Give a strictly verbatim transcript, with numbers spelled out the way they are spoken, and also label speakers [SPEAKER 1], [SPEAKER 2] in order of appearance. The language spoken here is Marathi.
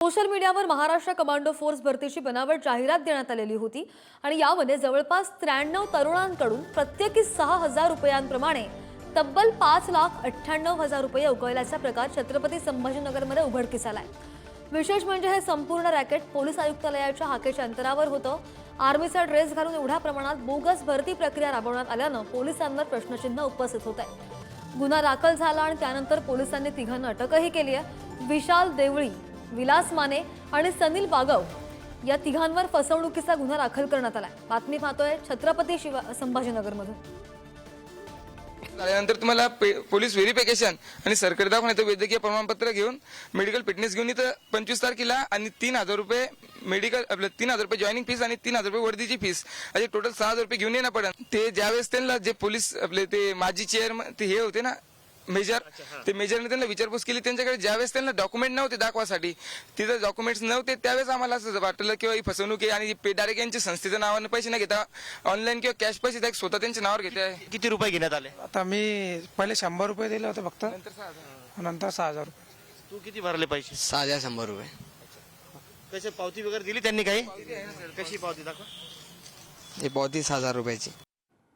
[SPEAKER 1] सोशल मीडियावर महाराष्ट्र कमांडो फोर्स भरतीची बनावट जाहिरात देण्यात आलेली होती आणि यामध्ये जवळपास त्र्याण्णव तरुणांकडून प्रत्येकी सहा हजार रुपयांप्रमाणे तब्बल पाच लाख अठ्ठ्याण्णव हजार रुपये उकळल्याचा प्रकार छत्रपती संभाजीनगरमध्ये उघडकीस आलाय। विशेष म्हणजे हे संपूर्ण रॅकेट पोलीस आयुक्तालयाच्या हाकेच्या अंतरावर होतं। आर्मीचा ड्रेस घालून एवढ्या प्रमाणात बोगस भरती प्रक्रिया राबवण्यात आल्यानं पोलिसांवर प्रश्नचिन्ह उपस्थित होत आहे। गुन्हा दाखल झाला आणि त्यानंतर पोलिसांनी तिघांना अटकही केली आहे। विशाल देवळी, विलास माने आणि सनील बागव या तिघांवर फसवणुकीचा गुन्हा दाखल करण्यात आलाय। बातमी पाहतोय छत्रपती संभाजीनगरमधून।
[SPEAKER 2] त्यानंतर तुम्हाला पोलीस व्हेरिफिकेशन आणि सरकारी दवाखान्यात वैद्यकीय प्रमाणपत्र घेऊन मेडिकल फिटनेस घेऊन इथं पंचवीस तारखेला आणि तीन हजार रुपये मेडिकल आपलं तीन हजार रुपये जॉईनिंग फीस आणि तीन हजार रुपये वर्दीची फीस असे टोटल सहा हजार रुपये घेऊन येणं पडेल। ते ज्यावेळेस त्यांना जे पोलीस आपले ते माजी चेअरमन ते हे होते ना मेजर, ते मेजरने त्यांना विचारपूस केली। त्यांच्याकडे ज्यावेळेस त्यांना डॉक्युमेंट नव्हते दाखवासाठी, तिथे डॉक्युमेंट्स नव्हते, त्यावेळेस आम्हाला असं वाटलं किंवा ही फसवणूक आहे आणि डायरेक्ट यांच्या संस्थेच्या नावाने पैसे न घेता ऑनलाईन किंवा कॅश पैसे डायरेक्ट स्वतः त्यांच्या नावावर घेते आहे।
[SPEAKER 3] किती रुपये घेण्यात आले?
[SPEAKER 4] आता मी पहिले शंभर रुपये दिले होते फक्त, नंतर सहा हजार रुपये।
[SPEAKER 3] तू किती भरले पैसे?
[SPEAKER 5] सहा हजार शंभर रुपये।
[SPEAKER 3] कसे पावती वगैरे दिली त्यांनी काही? कशी पावती दाखवा?
[SPEAKER 5] हे पावती सहा हजार रुपयाची।